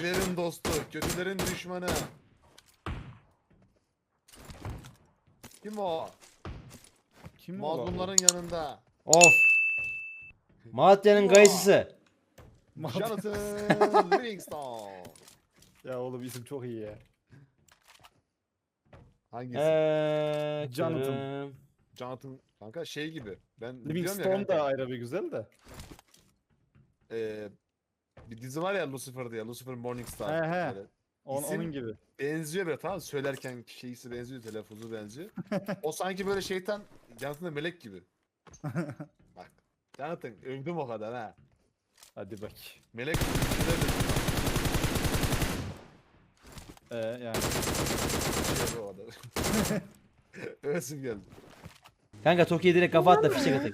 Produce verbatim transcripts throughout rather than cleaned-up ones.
İyilerin dostu, kötülerin düşmanı. Kim o? Kim o? Mazlumların yanında. Of. Malatya'nın kayısısı. Jonathan Livingstone. Ya oğlum isim çok iyi ya. Hangisi? Eee. Jonathan. Kırım. Jonathan kanka şey gibi. Ben biliyorum ya Livingstone kanka. da ayrı bir güzel de. Ee, bir dizi var ya Lucifer diye. Lucifer Morningstar. He he. Böyle On, İsim- onun gibi. benziyor böyle, tamam mı? Söylerken şeysi benziyor, telaffuzu benziyor. O sanki böyle şeytan, Jonathan da melek gibi. Bak. Jonathan övdüm o kadar ha. Hadi bak. Melek gibi bir şeyler de- Ee, yani. şey o kadar. Övesim geldi. Kanka Toki'ye direkt kafa at da fişek atak.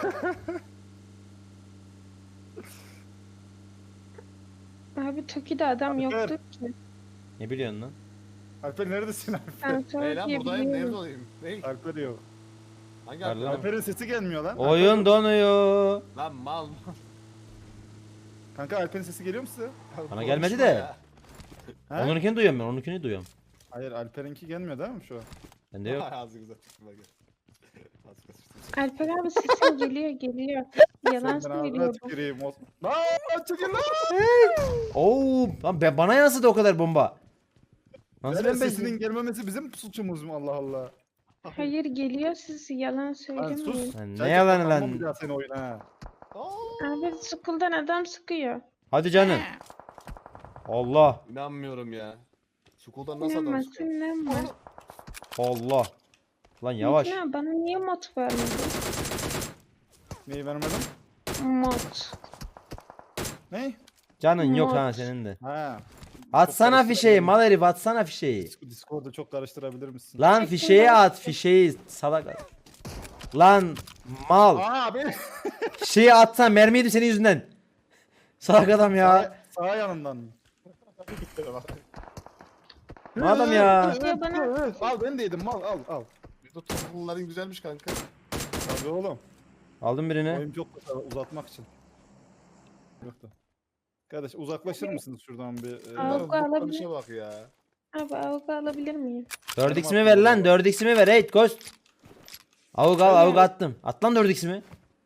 Abi Toki'de adam Alper. yoktu ki. Ne biliyorsun lan? Alper neredesin Alper? Ben Hey sana lan buradayım, nerede diyebiliyorum. olayım? Ney? Alper yok. Hangi Var Alper? lan. Alper'in sesi gelmiyor lan. Oyun donuyor. Lan mal mal. Kanka Alper'in sesi geliyor mu size? Bana gelmedi Konuşma de. ya. He? Onunkini duyuyorum ben. Onunkini duyuyorum. Hayır Alper'inki gelmiyor değil mi şu an? Bende yok. Ağzı güzel tutma gel. Ağzı güzel tutma. Alper abi sesin geliyor geliyor. Yalan Senin ağzına söylüyor bu. tüküreyim. o- Lan çekil lan. Oo, lan be- bana yansıdı o kadar bomba. Nasıl Yani ben sesinin bezdim? gelmemesi bizim suçumuz mu Allah Allah. Hayır geliyor siz yalan Lan söylemeyin. sus. Lan ne Çay yalanı çakmak lan? almam bir daha seni oyuna ha. Abi sıkıldan adam sıkıyor. Hadi canım. Allah. İnanmıyorum ya. Sukuldan nasıl adam İnanmazsın çıkıyor? inanma. Allah. Lan yavaş. Ya bana niye mod vermedin? Neyi vermedim? Mod. Ne? Canın yok Mod. ha senin de. Ha. Atsana karıştırabilirim. fişeği mal herif, atsana fişeği. Dis- Discord'da çok karıştırabilir misin? Lan Çektim fişeği ben. at fişeği salak. Lan mal. Aa abi. Fişeği atsan mermiydi senin yüzünden. Salak adam ya. Sağ, sağ yanından mı? Ne adam ya? Ya bana- Al ben de yedim mal al al. Bir de toplumların güzelmiş kanka. Tabii oğlum. Aldım birini. Oyun çok kısa uzatmak için. Yok da. Kardeş uzaklaşır mısınız şuradan bir? e, Al. Bunların alabilir. zıplanışa bak ya. Abi avuk alabilir miyim? dört x'imi ver lan, dört x'imi ver. Hey Ghost. Avuk al, avuk attım. At lan dört x'imi.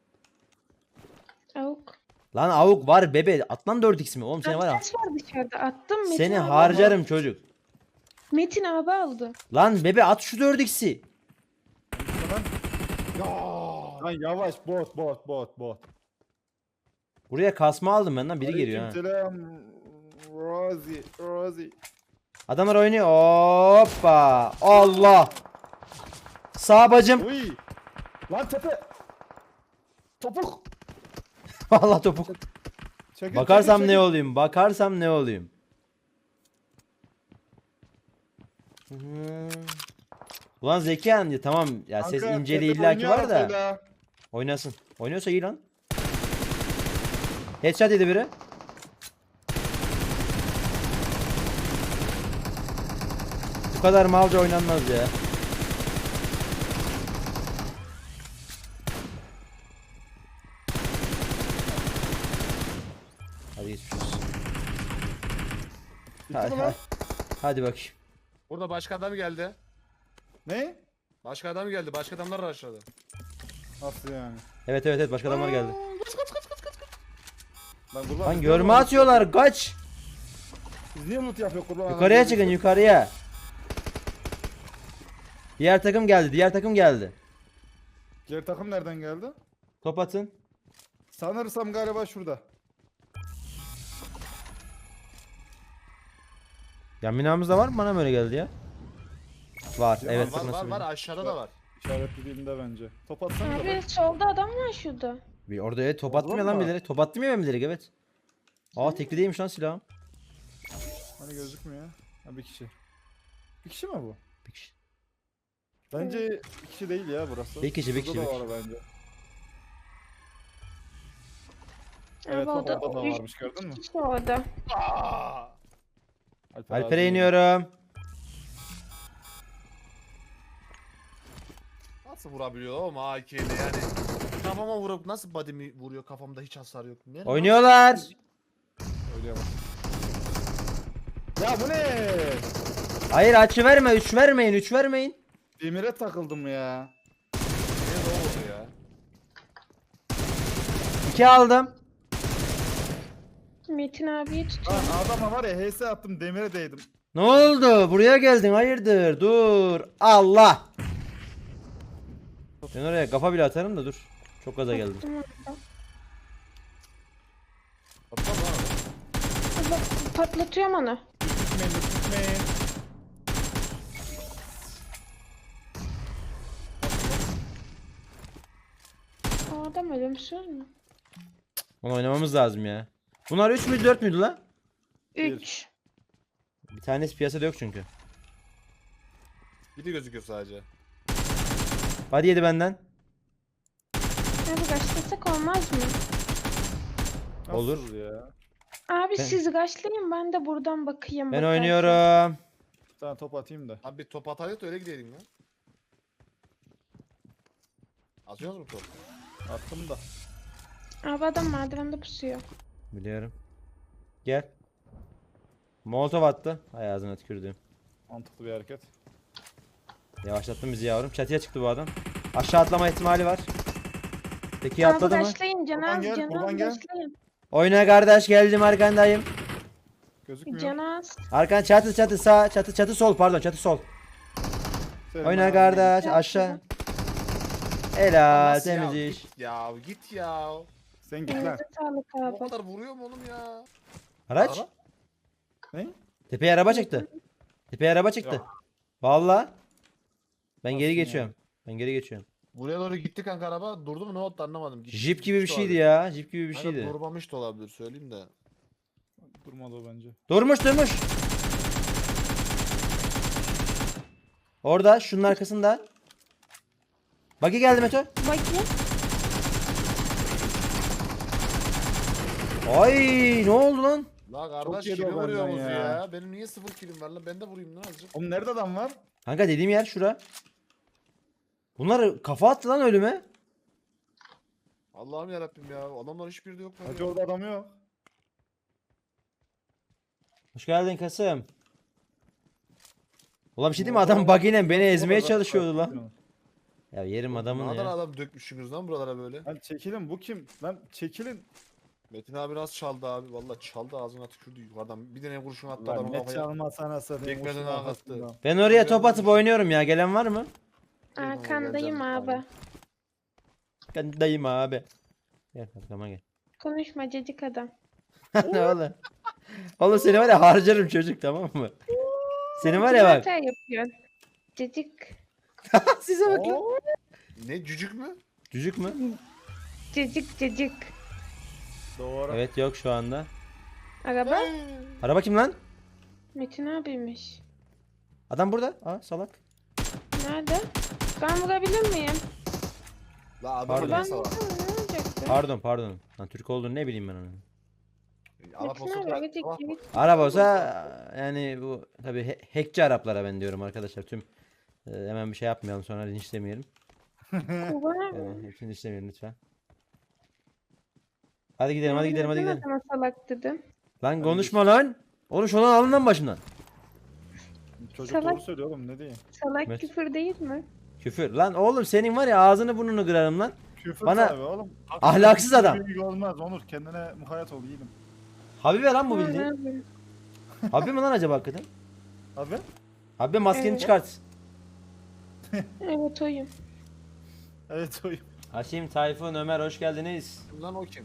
Avuk. Lan avuk var bebe. At lan dört x'imi. Oğlum seni var ya. Ses var dışarıda attım. Metin Seni abi harcarım çocuk. aldı. Metin abi aldı. Lan bebe at şu dört x'i. Lan yavaş bot bot bot bot. Buraya kasma aldım ben lan, biri geliyor ha. Selam. Rosie Rosie. Adamlar oynuyor. Hoppa. Allah. Sağ bacım. Uy. Lan tepe. Topuk. Vallahi topuk. Çekil, Bakarsam çekil, ne çekil. olayım? Bakarsam ne olayım? Hmm. Ulan Zekihan ya tamam ya, ses Kanka, inceliği tepe illaki oynuyor var da. arasıyla. Oynasın. Oynuyorsa iyi lan. Headshot yedi biri. Bu kadar malca oynanmaz ya. Hadi geçmiş olsun. Bitti Hadi, mi lan? hadi bakayım. Burada başka adam geldi. Ne? Başka adam geldi. Başka adamlar aşağıda. Nasıl yani? Evet evet evet, başka adamlar geldi. Lan kurban. Lan biz görme niye loot- atıyorlar, kaç. Biz niye loot yapıyor kurban? Yukarıya çıkın, yukarıya. Diğer takım geldi, diğer takım geldi. Diğer takım nereden geldi? Top atın. Sanırsam galiba şurada. Ya binamızda var mı, bana mı öyle geldi ya? Var, Ya evet. var nasıl var var bileyim? aşağıda da var. İşaretlediğimde bence. Top atsana da Abi bak. solda adam var şurada. Bir orada evet, top Orada attım ya lan mı? bilerek. Top attım ya ben bilerek, evet. Aa tekli değilmiş lan silahım. Hani gözükmüyor. Ha bir kişi. Bir kişi mi bu? Bir kişi. Bence bir kişi değil ya burası. Bir kişi, bir Burada kişi, da bir var bence. Abi Evet bak orada orada da üç varmış gördün mü? kişi orada. Aa! Alper Alper'e abi. iniyorum. Nasıl vurabiliyor oğlum A K'yle yani. Kafama vurup nasıl body'mi vuruyor, kafamda hiç hasar yok. Nerede? Oynuyorlar. Öyle bak. Ya bu ne? Hayır açı verme. üç vermeyin. üç vermeyin. Demire takıldım ya. Niye ne oldu ya? iki aldım. Metin abiye Lan tutuyorum. adama var ya H S attım demire değdim. Ne oldu? Buraya geldin. Hayırdır? Dur. Allah. Ben oraya kafa bile atarım da dur. Çok gaza geldim. Attım orada. Atma lan. Allah, patlatıyorum onu. Tutmayın tutmayın. O adam ölümsüz mü? Onu oynamamız lazım ya. Bunlar üç müydü dört müydü la? üç. Bir tanesi piyasada yok çünkü. Biri gözüküyor sadece. Hadi yedi benden. Abi başlasak olmaz mı? Nasıl Olur. ya? Abi Ben- siz gaçlayın ben de buradan bakayım. Ben bakarsın. oynuyorum. Bir tane top atayım da. Abi bir top ataydı da öyle gidelim ya. Atıyoruz mu top? Attım da. Abi adam merdivende pusuyor. Biliyorum. Gel. Molotov attı. Hay ağzına tükürdüğüm. Mantıklı bir hareket. Yavaşlattın bizi yavrum. Çatıya çıktı bu adam. Aşağı atlama ihtimali var. Peki Abi atladı mı? gaçlayın Buradan Canaz, gel, Canaz buradan gel. gaçlayın. Oyna kardeş geldim arkandayım. Gözükmüyor. Canaz. Arkan çatı çatı sağ çatı çatı sol pardon çatı sol. Senin Oyna abi. kardeş Gel aşağı. Helal Nasıl ya? temiz iş. Git ya git ya. Sen git lan. Elinize sağlık O abi. kadar vuruyor mu oğlum ya? Araç. Ara. Ne? Tepeye araba çıktı. Tepeye araba çıktı. Yok. Vallahi. Ben Nasıl geri yani? geçiyorum. Ben geri geçiyorum. Buraya doğru gitti kanka araba. Durdu mu ne oldu anlamadım. Gitti, Jeep gibi bir gitmişti şeydi abi. ya. Jeep gibi bir Aynen, şeydi. durmamış da olabilir söyleyeyim de. Durmadı o bence. Durmuş durmuş. Orada şunun arkasında. Bagi geldi Meto. Bakayım. Ay ne oldu lan? La Çok kardeş yedi kimi o benden vuruyorsunuz ya. ya. Benim niye sıfır kilim var lan? Ben de vurayım lan azıcık. Oğlum nerede adam var? Kanka dediğim yer şura. Bunlar kafa attı lan ölüme. Allah'ım yarabbim ya. Adamlar hiçbiri de yok lan. Hacı ya. orada adam yok. Hoş geldin Kasım. Ulan bir şey diyeyim mi? Adam bug'ıyla beni ezmeye çalışıyordu lan. Ya yerim adamın Ne kadar ya. adam dökmüşsünüz lan buralara böyle. Lan çekilin bu kim? Lan çekilin. Metin abi nasıl çaldı abi? Vallahi çaldı ağzına tükürdü yukarıdan. Bir tane kurşun attı Lan adamın ne kafaya. çalmasa anasını. Tekmeden ağa attı. Ben oraya top atıp oynuyorum ya. Gelen var mı? Arkandayım geleceğim, abi. aynen. Ben dayım abi. Gel arkama gel. Konuşma cacık adam. Ne oğlum? Oğlum seni var ya harcarım çocuk tamam mı? Seni var ya bak. Hata yapıyorsun. Cacık. Size bak lan. Oo. Ne cücük mü? Cücük mü? Cacık cacık. Doğru. Evet yok şu anda. Araba Araba kim lan? Metin abiymiş. Adam burada. Aa salak. Nerede? Ben vurabilir miyim? La adam Pardon. Ben neyse var. vursam ne olacaktı? Pardon pardon. Lan Türk olduğunu ne bileyim ben onu. Arap Metin olsa abi da hadi sabah git. Arap olsa yani bu tabi he- hackçi Araplara ben diyorum arkadaşlar. Tüm e, hemen bir şey yapmayalım sonra linçlemeyelim. Kurban abi. Yani hepsini linçlemeyelim lütfen. Hadi gidelim hadi gidelim hadi Neden gidelim. adama salak dedim. Lan konuşma lan. Oğlum şunu alın lan başından. Çocuk Salak. doğru söylüyor oğlum ne diyeyim. Salak Evet. küfür değil mi? Küfür. Lan oğlum senin var ya ağzını burnunu kırarım lan. Küfür Bana- tabii oğlum. Ahlaksız adam. Büyük olmaz Onur kendine mukayyet ol yiğidim. Habibe lan bu Ha, ne bildiğin. yapayım? Habibe mi lan acaba hakikaten? Abi Habibe maskeni Evet. çıkart. Evet oyum. evet oyum. Haşim, Tayfun, Ömer hoş geldiniz. Kim lan o kim?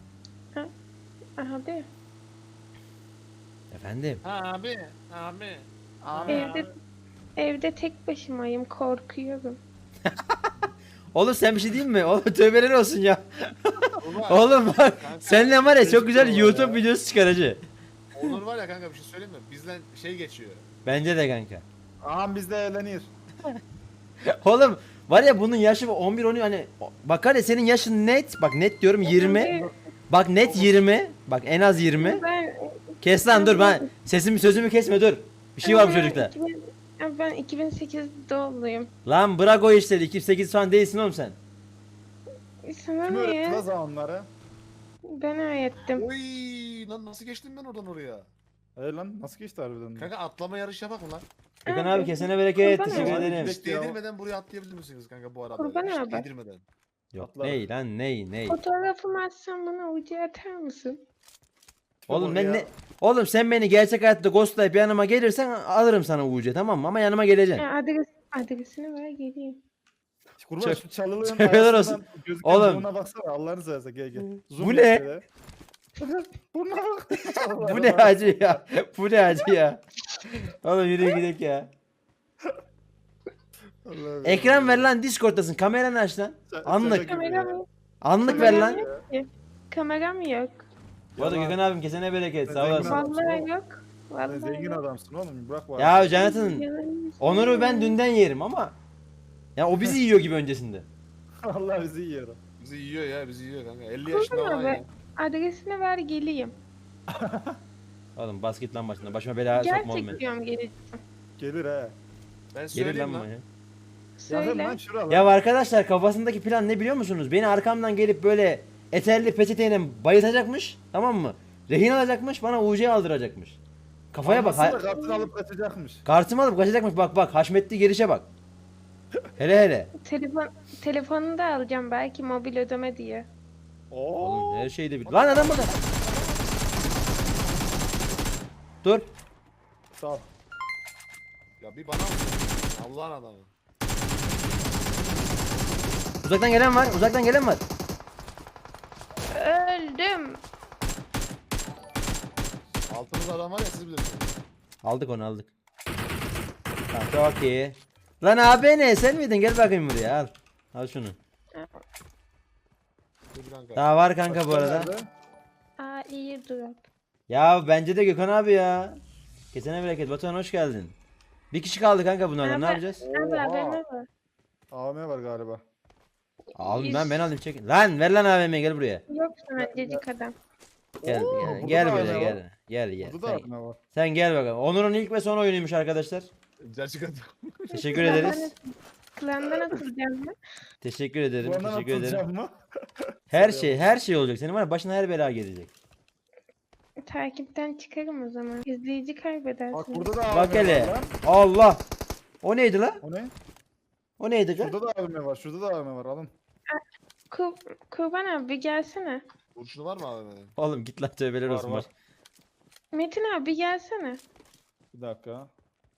Abi Efendim. Abi. Abi. Abi. evde evde tek başımayım korkuyorum. Oğlum sen bir şey diyeyim mi? Oğlum tövbeler olsun ya. Ulan, Oğlum bak kanka, seninle var ya çok güzel Keşke YouTube ya. videosu çıkar hacı. Onur var ya kanka bir şey söyleyeyim mi? Bizden şey geçiyor. Bence de kanka. Ağam bizde eğlenir. Oğlum var ya bunun yaşı on bir on hani bakar ya senin yaşın net bak net diyorum yirmi. Bak net yirmi. Bak en az yirmi. Ben, Kes lan dur ben sesimi sözümü kesme dur. Bir şey var bu ben çocukta. iki bin Abi ben iki bin sekiz doğumluyum. Lan bırak o işleri iki bin sekiz falan değilsin oğlum sen. Sana Kim ne öğretti ya? lan zamanları? Ben öğrettim. Oy lan nasıl geçtim ben oradan oraya? Hayır lan nasıl geçti harbiden? de? Kanka atlama yarışı yapak mı lan? Gökhan abi kesene bereket. Kurban Teşekkür olayım. ederim. Hiç değdirmeden buraya atlayabilir misiniz kanka bu arada? Kurban Hiç abi. değdirmeden. Yok Atlarım. ney lan ney ney. Fotoğrafımı atsan bana ucu atar mısın? Tipe Oğlum bak ben ya. ne Oğlum sen beni gerçek hayatta ghostlayıp yanıma gelirsen alırım sana U C tamam mı? Ama yanıma geleceksin. Ya adres, adresini ver geleyim. Kurban Çok- şu çalılığın Tövbeler olsun. arasından gözüken Oğlum. burnuna baksana Allah'ını seversen gel gel. Zoom Bu yap ne? şöyle. Burnuna bak. Bu ne acı ya? Bu ne acı ya? Oğlum yürü gidelim ya. Allah'ım Ekran ya. ver lan Discord'tasın. Kameranı aç lan. Sen- Anlık. şaka gibi Kameram ya. yok. Anlık ver lan. Kameram yok ki. Kameram yok. Bu arada Yalan. Gökhan abim kesene bereket. Ben Sağ zengin olasın. adamım. Vallahi oğlum. yok. Sen Vallahi zengin yok. adamsın oğlum bırak bu Ya adamı. Jonathan Yalan Onur'u ben söyleme. dünden yerim ama ya o bizi yiyor gibi öncesinde. Allah bizi yiyor. Bizi yiyor ya bizi yiyor kanka. elli Kurban yaşında olan abi. ya. Adresini ver geleyim. Oğlum basket lan başına. Başıma bela sokma oğlum Gerçek beni. diyorum geleceğim. Gelir he. Ben Gelir söyleyeyim lan lan. bana ya. Yakın Söyle. lan şura lan. Ya arkadaşlar kafasındaki plan ne biliyor musunuz? Beni arkamdan gelip böyle eterli peçeteyle bayıltacakmış. Tamam mı? Rehin alacakmış bana U C aldıracakmış. Kafaya bak. Anlasın ha- da kartını alıp kaçacakmış. Kartımı alıp kaçacakmış bak bak. Haşmetli gelişe bak. Hele hele. Telefon, telefonunu da alacağım belki mobil ödeme diye. Oğlum Oo. her şeyde bir. Lan adam burada. Dur. Sağ ol. Ya bir bana mı? Allah'ın adamı. Uzaktan gelen var. Uzaktan gelen var. Öldüm. Altımızda adam var ya siz bilirsiniz. Aldık onu aldık. Tamam çok iyi. Lan abi ne sen miydin? Gel bakayım buraya al. Al şunu. Dur kanka. Daha var kanka bu Başka arada. nerede? Aa iyi drop. Ya bence de Gökhan abi ya. Kesene bereket. Batuhan hoş geldin. Bir kişi kaldı kanka bunlardan. Ne Abi- yapacağız? Abi Oha. haberine var. A V M var galiba. Aldım ben ben alayım çekin. Lan ver lan A V M'yi gel buraya. Yok sana cecik adam. Gel Oo, gel, burada gel da buraya A V M var. gel. Gel gel. Burada da Sen, A V M var. sen gel bakalım. Onur'un ilk ve son oyunuymuş arkadaşlar. Gerçek adam. Teşekkür ederiz. Klandan atılacağım mı? Teşekkür ederim. Bu andan Teşekkür ederim. atılacağım mı? Her şey her şey olacak. Senin var ya başına her bela gelecek. Takipten çıkarım o zaman. İzleyici kaybedersin. Bak burada da A V M Bak var hele. lan. Allah. O neydi la? O ne? O neydi la? Şurada da A V M var. Şurada da A V M var. Alın. Kur, Kurban abi bir gelsene. Kurşunu var mı abi? benim? Oğlum git lan tövbeler Var, olsun. var. Var. Metin abi bir gelsene. Bir dakika.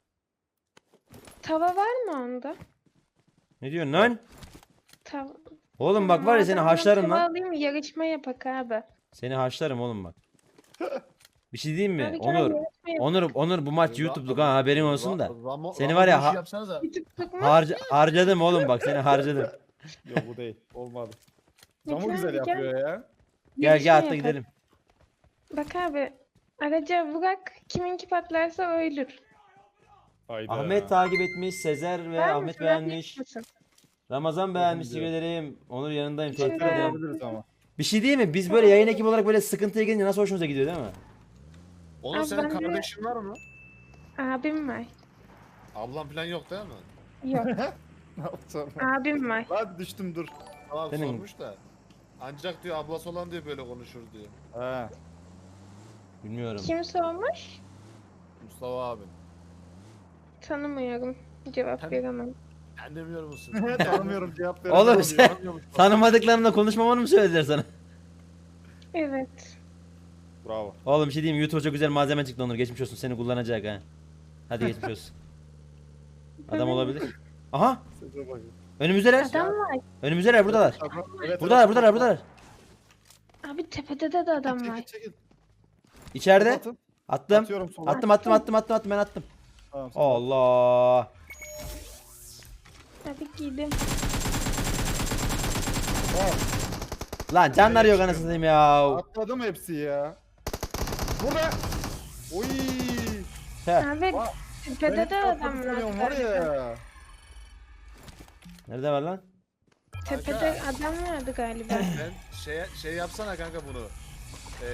Tava var mı onda? Ne diyorsun lan? Tava. Oğlum bak var ya seni Madem ben haşlarım tava lan. alayım yarışma yapak abi. Seni haşlarım oğlum bak. Bir şey diyeyim mi? Abi gel Onur. yarışma yapak. Onur Onur bu maç Ra- YouTube'luk ha haberin olsun da. Ra- Ramo- Seni Ramo var ya bu işi ha- yapsanıza. YouTube'luk mu? Harca harcadım oğlum bak seni harcadım. Yok bu değil. Olmadı. Metin Camı güzel abi gel. yapıyor ya. Gel Yarışma gel atla yapak. gidelim. Bak abi. Araca bırak. Kiminki patlarsa ölür. Hayda. Ahmet takip etmiş, Sezer ve Var Ahmet mısın? beğenmiş. Mısın? Ramazan beğenmiş, diyor. teşekkür ederim. Onur yanındayım, Teşekkür teşekkür ederim. ederim. Yapabiliriz ama. Bir şey değil mi? Biz böyle yayın ekibi olarak böyle sıkıntıya gelince nasıl hoşumuza gidiyor değil mi? Onur Abi senin ben de- kardeşin var mı? Abim var. Ablan falan yok değil mi? Yok. Ne yapacağım? Abim var. Lan düştüm dur. Tamam Senin- sormuş da. Ancak diyor ablası olan diyor böyle konuşur diyor. He. Bilmiyorum. Kim sormuş? Mustafa abim. Tanımıyorum. Cevap Tan- veremem. Sen demiyor musun? Tanımıyorum cevap veremem. Oğlum diyor. sen Tanımıyormuş. tanımadıklarımla konuşmamanı mı söylediler sana? Evet. Bravo. Oğlum bir şey diyeyim mi? YouTube'a çok güzel malzeme çıktı Onur. Geçmiş olsun seni kullanacak ha. Hadi geçmiş olsun. Adam olabilir. Aha! Size bakın. Önümüzdeler. Adam var. Önümüzdeler buradalar. Evet, Buradalar evet. buradalar buradalar. Abi tepede de, de adam Çekil var. çekil. İçeride. Atın. Attım. Atıyorum sola. Attım attım attım attım attım ben attım. Tamam, sen Allah. Abi giydim. at. Lan canlar yok anasını satayım ya. Atladım hepsi ya. Burada. Oy. Heh. Abi Aa, tepede de adam var var. ya. Nerede var lan? Tepede adam vardı galiba. Sen şey, şey yapsana kanka bunu. Ee,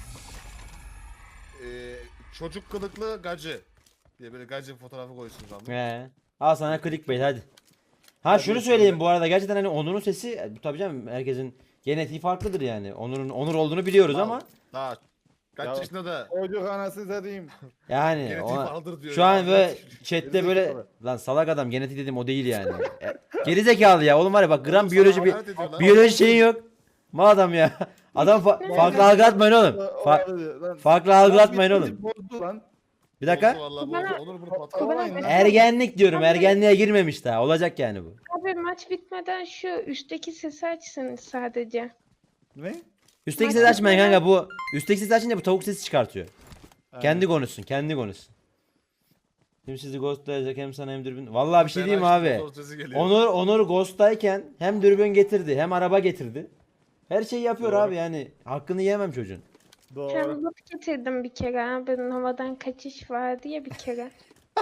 ee, çocuk kılıklı gacı. Diye böyle gacı fotoğrafı koysun zaman. He. Al sana clickbait hadi. Ha şunu Hadi söyleyeyim söyle. bu arada gerçekten hani Onur'un sesi e, tabii canım herkesin genetiği farklıdır yani. Onur'un Onur olduğunu biliyoruz ama Daha Kaç Ya- yaşında da Çocuk anasını satayım. Yani genetiği ona, aldır diyor. şu ya. an böyle Gerizekalı. chatte böyle Gerizekalı. lan salak adam genetik dedim o değil yani. E, Gerizekalı ya oğlum var ya bak gram Oğlum biyoloji sana bir hakaret ediyor lan. biyoloji şeyin yok. Ma adam ya. Adam fa- farklı algılatmayın oğlum. Fa- farklı algılatmayın oğlum. Bozdu lan. Bir dakika. Bozdu vallahi Bana- bozdu. Onur bunu Bana- patlamayın lan. Ergenlik diyorum. Abi- Ergenliğe girmemiş daha. Olacak yani bu. Abi maç bitmeden şu üstteki sesi açsın sadece. Ne? Üstteki Maç sesi açmayın bitmeden- kanka bu. Üstteki sesi açınca bu tavuk sesi çıkartıyor. Ha. Kendi konuşsun. Kendi konuşsun. Hem sizi ghostlayacak hem sana hem dürbün. Vallahi bir şey Ben diyeyim açtım, abi. motor sesi geliyor. Onur Onur ghost'tayken hem dürbün getirdi hem araba getirdi. Her şeyi yapıyor Doğru. abi yani. Hakkını yiyemem çocuğun. Doğru. Sen bot getirdim bir kere abi. Havadan kaçış vardı ya bir kere.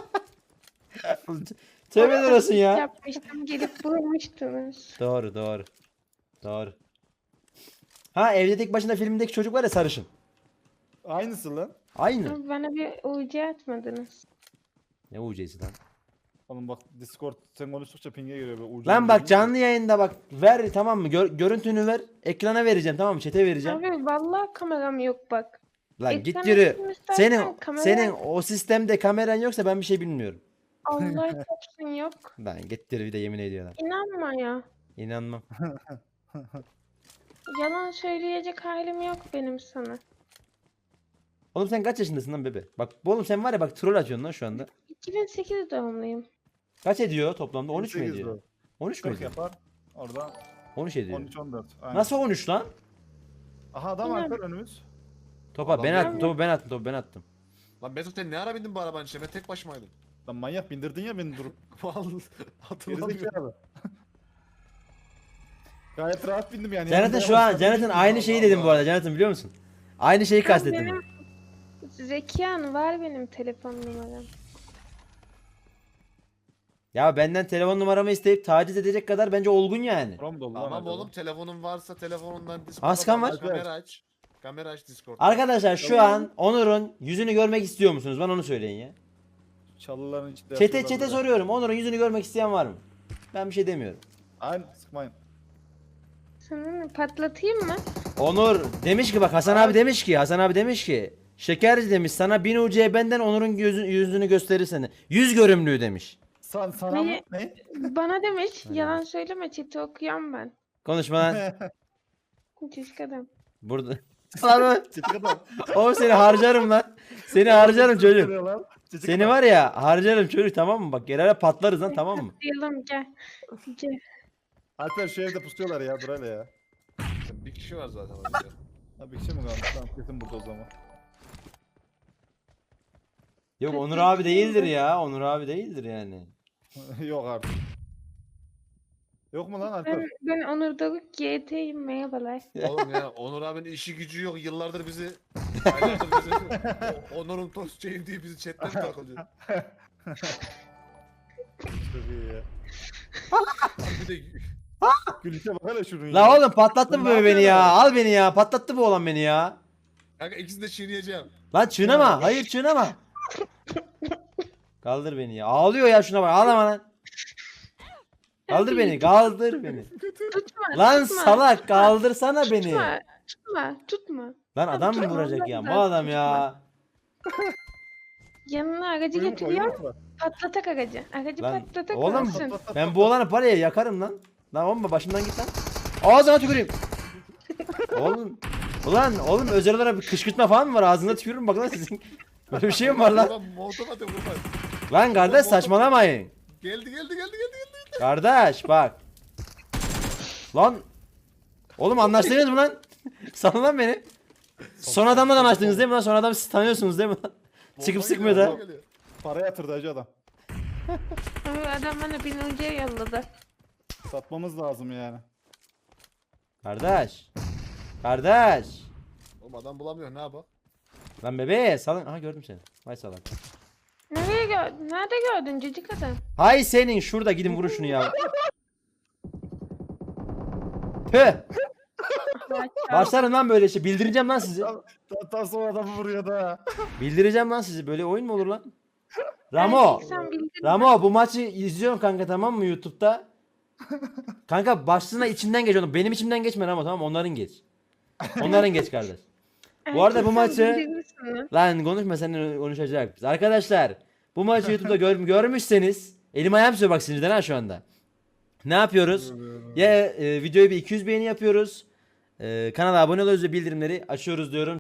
Tövbeler olsun ya. Yapmıştım gelip vurmuştunuz. Doğru doğru. Doğru. Ha evde tek başına filmdeki çocuk var ya sarışın. Aynısı lan. Aynı. Abi bana bir U C atmadınız. Ne U C'si lan? Oğlum bak Discord sen konuştukça ping'e giriyor. Böyle ucu Lan ucu bak değil. canlı yayında bak ver tamam mı? Gör- görüntünü ver. Ekrana vereceğim tamam mı? Chat'e vereceğim. Abi vallahi kameram yok bak. Lan Ekran git yürü. açayım istersen, Senin kamera- senin o sistemde kameran yoksa ben bir şey bilmiyorum. Allah çarpsın yok. Lan git yürü bir de yemin ediyorlar. İnanma ya. İnanmam. Yalan söyleyecek halim yok benim sana. Oğlum sen kaç yaşındasın lan bebe? Bak bu oğlum sen var ya bak troll atıyorsun lan şu anda. iki bin sekiz doğumluyum. Kaç ediyor toplamda? on üç mü sekiz ediyor? doğru. on üç mü kırk ediyor? yapar. Orada on üç ediyor. on üç on dört. Aynen. Nasıl on üç lan? Aha adam Bilmem. Alper önümüz. Topa Adam ben ya. attım, topu ben attım, topu ben attım. Lan Mesut sen ne ara bindin bu arabanın içine? Ben tek başımaydım. Lan manyak bindirdin ya beni durup. Vallahi hatırlamıyorum. Gerizekalı. Gayet rahat bindim yani. Jonathan Yanımda şu an, yavaş Jonathan aynı Allah şeyi dedim bu Allah. arada Jonathan biliyor musun? Aynı şeyi kastettim. benim- Zekiyan var benim telefon numaram. Ya benden telefon numaramı isteyip taciz edecek kadar bence olgun yani. Buram dolu lan Tamam acaba. oğlum telefonun varsa telefonundan Discord'a Askan bağlan, var. Kamera aç. Kamera aç Discord'da. Arkadaşlar şu an Onur'un yüzünü görmek istiyor musunuz? Bana onu söyleyin ya. Çalıların içinde. Çete yapıyorlar çete böyle. soruyorum. Onur'un yüzünü görmek isteyen var mı? Ben bir şey demiyorum. Aynen sıkmayın. Sana patlatayım mı? Onur demiş ki bak Hasan abi demiş ki Hasan abi demiş ki Şekerci demiş sana bin U C benden Onur'un yüzü, yüzünü gösterirsen. Yüz görümlüğü demiş. San, sana mı? Ne? Ne? Bana demiş. Yalan söyleme chat'i okuyan ben. Konuşma lan. Çocuk adam. Burada. Lan Çetik adam. oğlum seni harcarım lan. Seni harcarım çocuk. Görüyor lan. Çetik Seni adam. var ya harcarım çocuk tamam mı? Bak yerlere patlarız lan tamam mı? Diyelim gel. Gel. Alper şu evde pusuyorlar ya dur hele ya. Bir kişi var zaten orada. Ha bir şey mi kalmış? Tamam kesin burada o zaman. Yok Onur abi değildir ya. Onur abi değildir yani. Yok artık. Yok mu lan Alper? Ben, ben Onur Doruk G T'yim merhabalar. Oğlum ya Onur abinin işi gücü yok. Yıllardır bizi aylardır bizi O- Onur'un tostçuyum diye bizi chatten takılıyor. Çok iyi ya. Bir de Gülüşe bak hele şunun La ya. oğlum patlattı bu Ne bebe beni ya. yapıyorsun? Al beni ya. Patlattı bu oğlan beni ya. kanka ikisini de çiğneyeceğim. Lan çiğneme. Hayır çiğneme. Kaldır beni ya. Ağlıyor ya şuna bak. Ağlama lan. Kaldır beni. Kaldır beni. Tutma. Lan tutma, salak tutma, kaldırsana beni. Tutma. Tutma. Tutma. Lan adam mı tutma, vuracak ya? tutma, Bu adam ya. Yanına aracı Yumrukla, getiriyor. yumrukla. Patlatak aracı. Aracı Lan patlatak oğlum olsun. ben bu olanı paraya yakarım lan. Lan oğlum başımdan git lan. Ağzına tüküreyim. Oğlum. Ulan oğlum özel olarak bir kışkırtma falan mı var? Ağzına tükürürüm bak lan sizin. Böyle bir şey mi var lan? Ulan Molotov atıyor vurma. Lan kardeş saçmalamayın. Geldi geldi geldi geldi geldi. Kardeş bak. Lan. Oğlum anlaştınız mı lan? Salın lan beni. Son adamla da anlaştınız değil mi lan? Son adamı siz tanıyorsunuz değil mi lan? Çıkıp Bomba sıkmıyor geliyor, da. bomba geliyor. Para yatırdı hacı adam. Abi adam bana bin önce yolladı. Satmamız lazım yani. Kardeş. Kardeş. Oğlum adam bulamıyor ne yapalım? Lan bebe salın. Aha gördüm seni. Vay salak. Nereye gördün? Nerede gördün cicik adam? Hay senin şurada gidin vurun şunu ya. Tüh. Başlarım lan böyle şey. Bildireceğim lan sizi. Tam, tam sonra adamı vuruyor da. Bildireceğim lan sizi. Böyle oyun mu olur lan? Ramo. Sen bildin. Ramo bu maçı izliyorum kanka tamam mı YouTube'da? Kanka başlığına içinden geç onu. Benim içimden geçme Ramo tamam mı? Onların geç. Onların geç kardeş. Bu arada bu Erkek sen maçı bildirirsin lan. lan konuşma seninle konuşacak biz. Arkadaşlar bu maçı YouTube'da gör, görmüşseniz elim ayağım tutuyor bak sinirden ha şu anda. Ne yapıyoruz? Ya e, videoyu bir iki yüz beğeni yapıyoruz. E, kanala abone oluyoruz ve bildirimleri açıyoruz diyorum.